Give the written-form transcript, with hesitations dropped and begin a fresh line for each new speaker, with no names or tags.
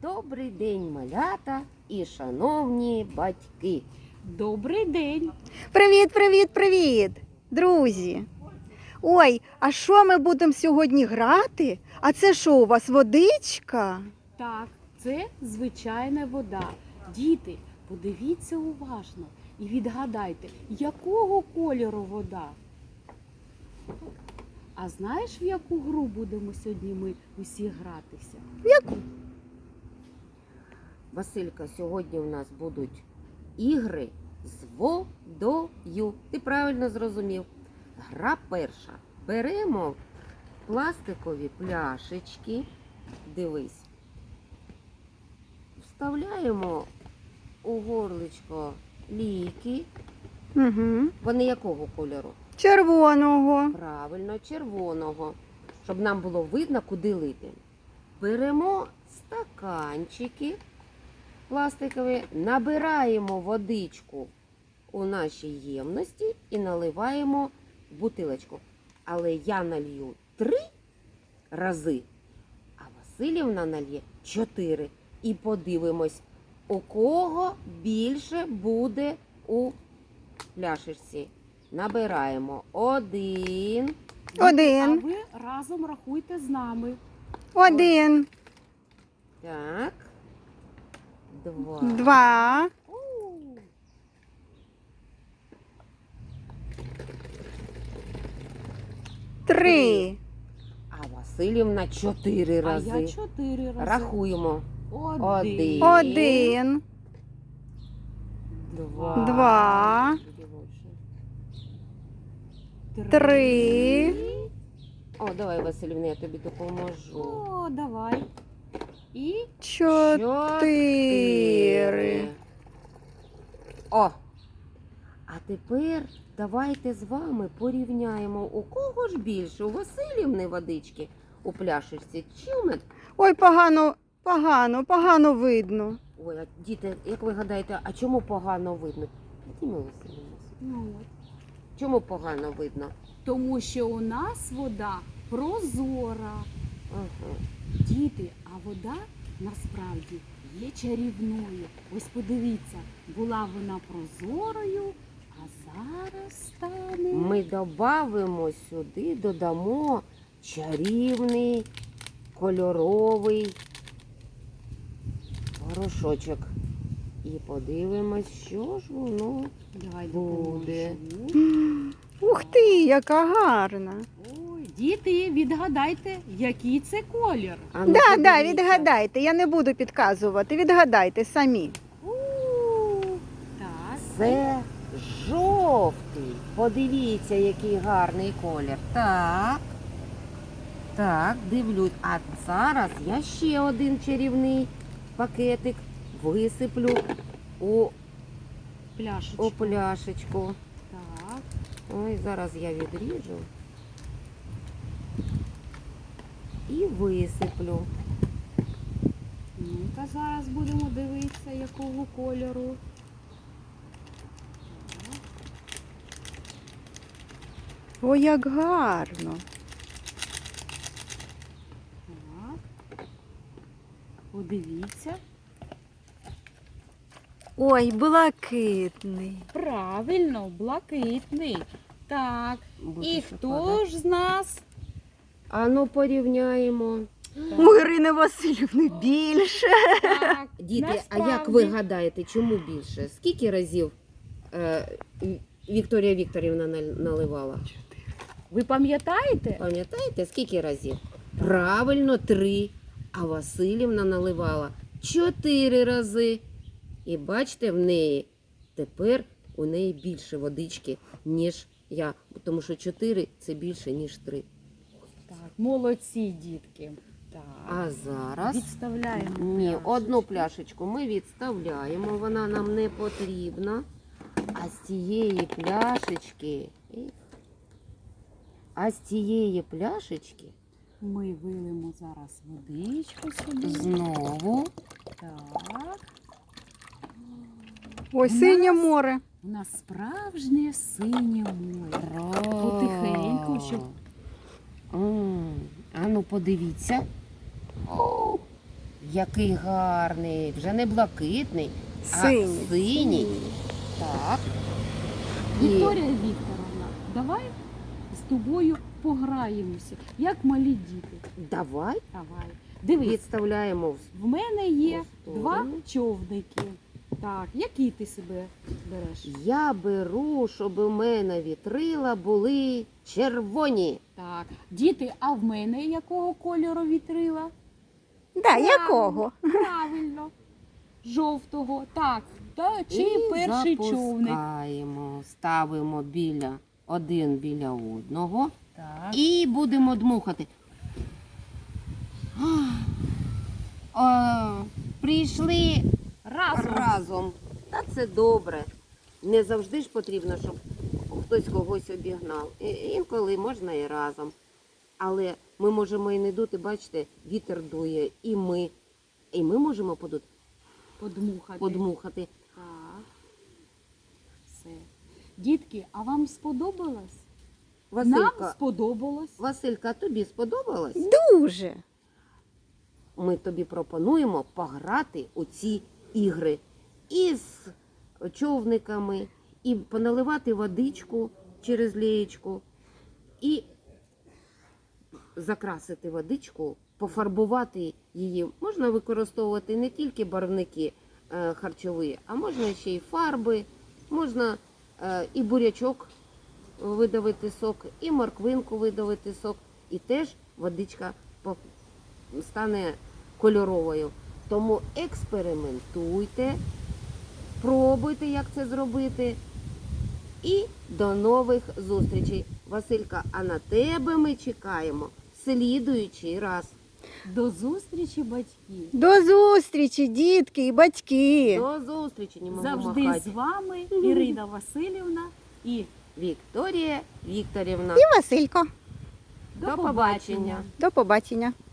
Добрий день, малята і шановні батьки.
Добрий день!
Привіт, привіт, привіт, друзі! Ой, а що ми будемо сьогодні грати? А це що, у вас водичка?
Так, це звичайна вода. Діти, подивіться уважно і відгадайте, якого кольору вода? А знаєш, в яку гру будемо сьогодні ми усі гратися?
Василька, сьогодні у нас будуть ігри з водою. Ти правильно зрозумів. Гра перша. Беремо пластикові пляшечки. Дивись. Вставляємо у горличко ліки.
Угу.
Вони якого кольору?
Червоного.
Правильно, червоного. Щоб нам було видно, куди лити. Беремо стаканчики пластикові, набираємо водичку у нашій ємності і наливаємо в бутилочку. Але я налью 3 рази, а Василівна нальє 4. І подивимось, у кого більше буде у пляшечці. Набираємо 1.
А
Один.
ви разом рахуйте з нами.
Один.
Так. 2.
Два. 3.
А Василівна 4
А
рази.
я 4 рази.
Рахуємо.
1,
1.
2.
2. 3.
О, давай, Василівна, я тобі допоможу.
О, давай. І
4.
О! А тепер давайте з вами порівняємо, у кого ж більше, у Василівни водички у пляшечці чи у мене?
Ой, погано видно.
Ой, а діти, як ви гадаєте, а чому погано видно? Діма Василівна,
ну, от.
чому погано видно?
Тому що у нас вода прозора.
Ага.
Діти, а вода насправді є чарівною. Ось подивіться, була вона прозорою, а зараз стане.
Ми додамо чарівний кольоровий порошочок. І подивимось, що ж воно
Давай
буде.
допоможу.
Ух ти, яка гарна.
Ой, діти, відгадайте, який це колір.
А ну,
Да,
подивіться.
відгадайте, я не буду підказувати, відгадайте самі.
Так.
Це жовтий. Подивіться, який гарний колір. Так. Так, дивлюсь. А зараз я ще один чарівний пакетик висиплю у
Пляшечку.
пляшечку.
Так.
Ой, зараз я відріжу і висиплю.
Ну-ка, зараз будемо дивитися, якого кольору.
Ой, як гарно.
Так. Подивіться.
Ой, блакитний.
Правильно, блакитний. Так.
Буде
І
ще
хто
падати.
ж з нас?
А ну порівняємо.
У Ірини Васильівни більше.
Так,
Діти, а як
насправді.
ви гадаєте, чому більше? Скільки разів Вікторія Вікторівна наливала?
Ви пам'ятаєте?
Пам'ятаєте, скільки разів? Правильно, 3. А Василівна наливала 4 рази. І бачите, в неї тепер у неї більше водички, ніж я. Тому що 4 – це більше, ніж 3.
Так, молодці, дітки. Так.
А зараз
Відставляємо.
ні,
пляшечку.
одну пляшечку ми відставляємо, вона нам не потрібна. А з цієї пляшечки
Ми вилимо зараз водичку сюди.
знову
Так.
Ой,
У
синє
нас-
море.
У нас справжнє синє море. Потихеньку, щоб
А ну подивіться. О, Який гарний, вже не блакитний,
Синій.
а синій. Так. І
Вікторія Вікторовна, давай з тобою пограємося, як малі діти.
давай
Давай. Дивись,
відставляємо.
в мене є
в сторону.
2 човники. Так, який ти себе береш?
Я беру, щоб у мене вітрила були червоні.
Так, діти, а в мене якого кольору вітрила?
Да, якого?
Правильно. Жовтого. Так, та чий
І
перший човник?
запускаємо, ставимо один біля одного
Так.
і будемо дмухати. Прийшли разом. Та це добре. Не завжди ж потрібно, щоб хтось когось обігнав. Інколи можна і разом. Але ми можемо і не дути, бачите, вітер дує, і ми можемо подмухати.
Так. Все. Дітки, а вам сподобалось? Нам
Василька,
сподобалось.
Василька, тобі сподобалось?
Дуже.
Ми тобі пропонуємо пограти у ці ігри із човниками, і поналивати водичку через лієчку, і закрасити водичку, пофарбувати її. Можна використовувати не тільки барвники харчові, а можна ще й фарби, можна і бурячок видавити сок, і морквинку видавити сок, і теж водичка стане кольоровою. Тому експериментуйте, пробуйте, як це зробити. І до нових зустрічей. Василька, а на тебе ми чекаємо в слідуючий раз.
До зустрічі, батьки.
До зустрічі, дітки і батьки.
До зустрічі, не можу
Завжди
махати.
з вами Ірина Васильівна і
Вікторія Вікторівна.
І Василько.
До побачення.
До побачення.